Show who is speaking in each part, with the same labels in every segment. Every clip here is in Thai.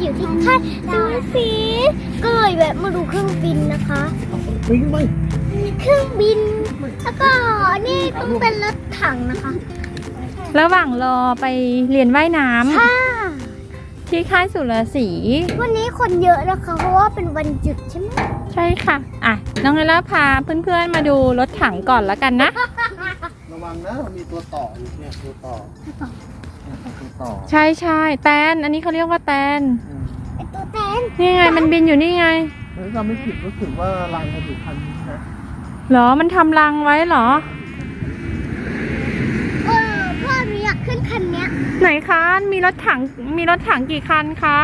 Speaker 1: อยู่ที่ค่ายสุรศรีก็เลยแวะมาดูเครื่องบินนะคะเครื่องบินแล้วก็นี่ต้องเป็นรถถังนะคะ
Speaker 2: ระหว่างรอไปเรียนว่ายน้ำ
Speaker 1: ค่ะ
Speaker 2: ที่ค่ายสุรศรี
Speaker 1: วันนี้คนเยอะนะคะเพราะว่าเป็นวันหยุดใช่ไหม
Speaker 2: ใช่ค่ะอ่ะน้องเอล่าพาเพื่อนๆมาดูรถถังก่อนแล้วกันนะ
Speaker 3: ระวังนะมันมีตัวต่ออยู่เนี่ยตัวต่อ
Speaker 2: ใช่ใช่แตนอันนี้เขาเรียกว่าแตน
Speaker 1: ไอตัวแตน
Speaker 2: นี่ไงมันบินอยู่นี่ไง
Speaker 3: ถ้าจำไม่ผิดรู้สึกว่ารังมันอยู่คันนี้นะ
Speaker 2: เหรอมันทำรังไว้เหรอ
Speaker 1: พ่อหนูอยากขึ้นคันเนี้ย
Speaker 2: ไหนคะมีรถถังกี่คันคะ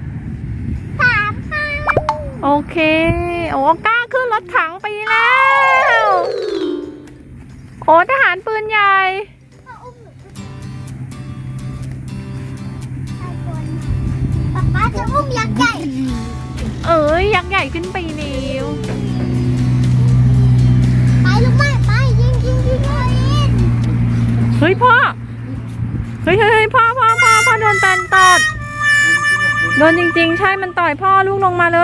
Speaker 1: 3 คัน
Speaker 2: โอเคโอ้กล้าขึ้นรถถังไปแล้วโอ้ทหารปืนใหญ่
Speaker 1: พ่ออุ้มหนูขึ้นป๊าจะอุ้มยักษ์ใหญ่
Speaker 2: เอ้ยยักษ์ใหญ่ขึ้นไปเร็ว
Speaker 1: ไปลูกไม้ไปยิงเลย
Speaker 2: เฮ้ยพ่อเฮ้ยพ่อโดนแตนตอดโดนจริงๆใช่มันต่อยพ่อลูกลงมาเลย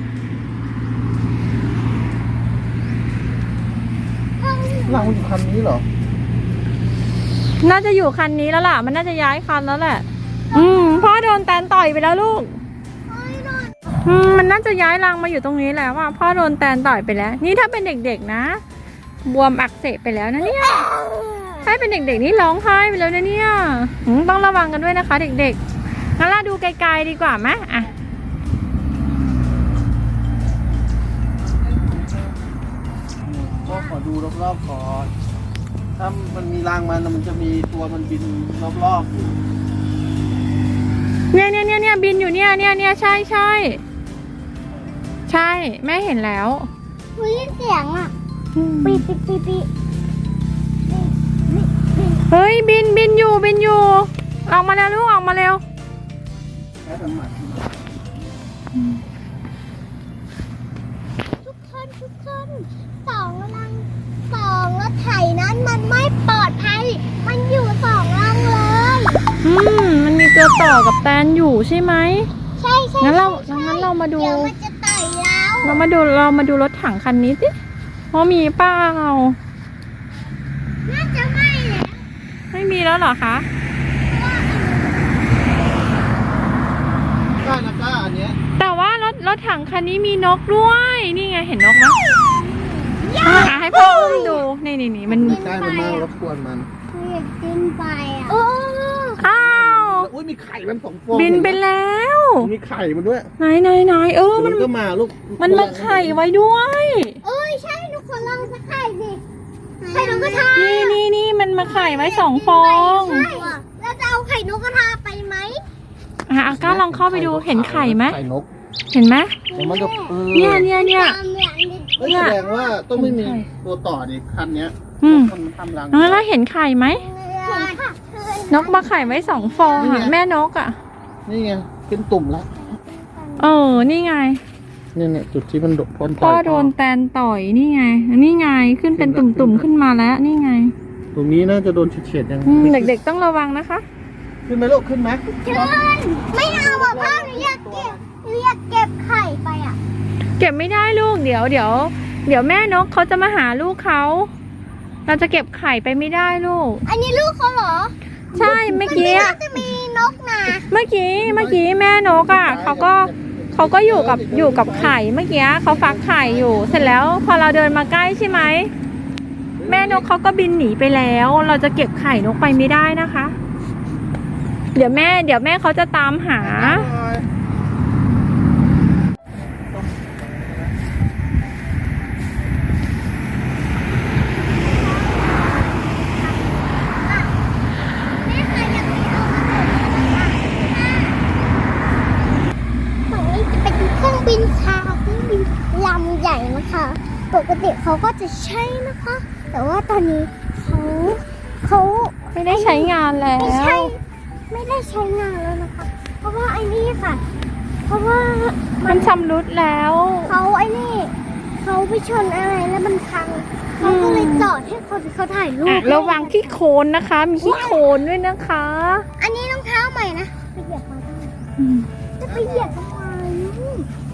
Speaker 3: รังมันอยู่คันนี้เหรอ
Speaker 2: น่าจะอยู่คันนี้แล้วล่ะมันน่าจะย้ายคันแล้วแหละพ่อโดนแตนต่อยไปแล้วลูกมันน่าจะย้ายรังมาอยู่ตรงนี้แล้วว่าพ่อโดนแตนต่อยไปแล้ว นี่ถ้าเป็นเด็กๆนะบวมอักเสบไปแล้วนะเนี่ยถ้าเป็นเด็กๆนี่ร้องไห้ไปแล้วนะเนี่ยต้องระวังกันด้วยนะคะเด็กๆงั้นเราดูไกลๆดีกว่าไหมอ่ะ
Speaker 3: ก็ขอดูรอบๆก่อนถ้ามันมีรังมันจะมีตัวมันบินรอบๆอยู่
Speaker 2: เนี่ยบินอยู่เนี่ยใช่แม่เห็นแล้ว
Speaker 1: หนูยินเสียงอ่ะปีปี
Speaker 2: เฮ้ยบินอยู่ออกมาแล้วลูกออกมาเร็ว
Speaker 3: แค่สมัคร
Speaker 1: ทุกคนสองรถไถนั้นมันไม่ปลอดภัยมันอยู่2 รังเลย
Speaker 2: มันมีตัวต่อกับแตนอยู่ใช่ไหม
Speaker 1: ใช่
Speaker 2: งั้นเรามาดู
Speaker 1: เดี๋ยวมันจะไต่แล้ว
Speaker 2: เรามาดูรถถังคันนี้สิเพราะมีเปล่า
Speaker 1: น่าจะไม่แล้ว
Speaker 2: ไม่มีแล้วเหรอคะ
Speaker 3: กล้านะกล้าอันเนี้ย
Speaker 2: แต่ว่ารถถังคันนี้มีนกด้วยนี่ไงเห็นนกไหมให้พ่ออุ้มดูนี่มัน
Speaker 3: ใกล้มันมากรบกวนมัน
Speaker 1: อยากกินไปอ่ะ
Speaker 2: อ้าว
Speaker 3: อุ้ยมีไข่มัน2 ฟอง
Speaker 2: บินไปแล้ว
Speaker 3: มีไข่มันด้วย
Speaker 2: ไหน
Speaker 3: มันก็มาลูก
Speaker 2: มันมาไข่ไว้ด้วย
Speaker 1: ใช่หนูขอลองสักไข่สิไข่นกกระทา
Speaker 2: นี่มันมาไข่ไว้2 ฟอง
Speaker 1: ใช่แล้วจะเอาไข่นกกระทาไปไหม
Speaker 2: ก้าลองเข้าไปดูเห็นไข่ไหม
Speaker 3: ไข่นก
Speaker 2: เห็นไหม
Speaker 3: มันจะ
Speaker 2: เนี่ย
Speaker 3: แสดงว่าต้องไม่มีตัวต่อดิคันเนี้ยมันทำรัง
Speaker 2: แล้วเห็นไข่ไหมนกมาไข่ไว้2 ฟองแม่นก
Speaker 3: นี่ไงเป็นตุ่มแล้ว
Speaker 2: นี่ไง
Speaker 3: เนี่ยจุดที่มันพ่น
Speaker 2: พ่อโดนแตนต่อยนี่ไงขึ้นเป็นตุ่มๆขึ้นมาแล้วนี่ไง
Speaker 3: ตรงนี้น่าจะโดนเฉียดๆยัง
Speaker 2: เด็กๆต้องระวังนะคะ
Speaker 3: ขึ้นไหมลูกขึ้นไหม
Speaker 1: ไม่เอาอ่ะพ่อหนูอยากเก็บไข่ไปอ่ะ
Speaker 2: เก็บไม่ได้ลูกเดี๋ยวแม่นกเขาจะมาหาลูกเขาเราจะเก็บไข่ไปไม่ได้ลูก
Speaker 1: อันนี้ลูกเขาเหรอ
Speaker 2: ใช่เมื่อกี้
Speaker 1: จะมีนกนะ
Speaker 2: เมื่อกี้แม่นกเขาก็อยู่กับไข่เมื่อกี้เขาฟักไข่อยู่เสร็จแล้วพอเราเดินมาใกล้ใช่ไหมแม่นกเขาก็บินหนีไปแล้ว เราจะเก็บไข่นกไปไม่ได้นะคะ เดี๋ยวแม่เขาจะตามหา
Speaker 1: ฝั่งนี้จะเป็นเครื่องบินลำใหญ่นะคะ ปกติเขาก็จะใช้นะคะ แต่ว่าตอนนี้เขา
Speaker 2: ไม่ได้ใช้งานแล้ว
Speaker 1: ไม่ได้ใช้งานแล้วนะคะ เพราะว่าไอ้นี่ค่ะ เพราะว่า
Speaker 2: มันชำรุดแล้ว
Speaker 1: เขาไปชนอะไรแล้วมันพังเขาก็เลยจอดให้คนเขาถ่ายรูป
Speaker 2: ระวังขี้โคลนนะคะ มีขี้โคลนด้วยนะคะ
Speaker 1: อันนี้รองเท้าใหม่นะไปเหยียบมาได้จะไปเหยียบทำไม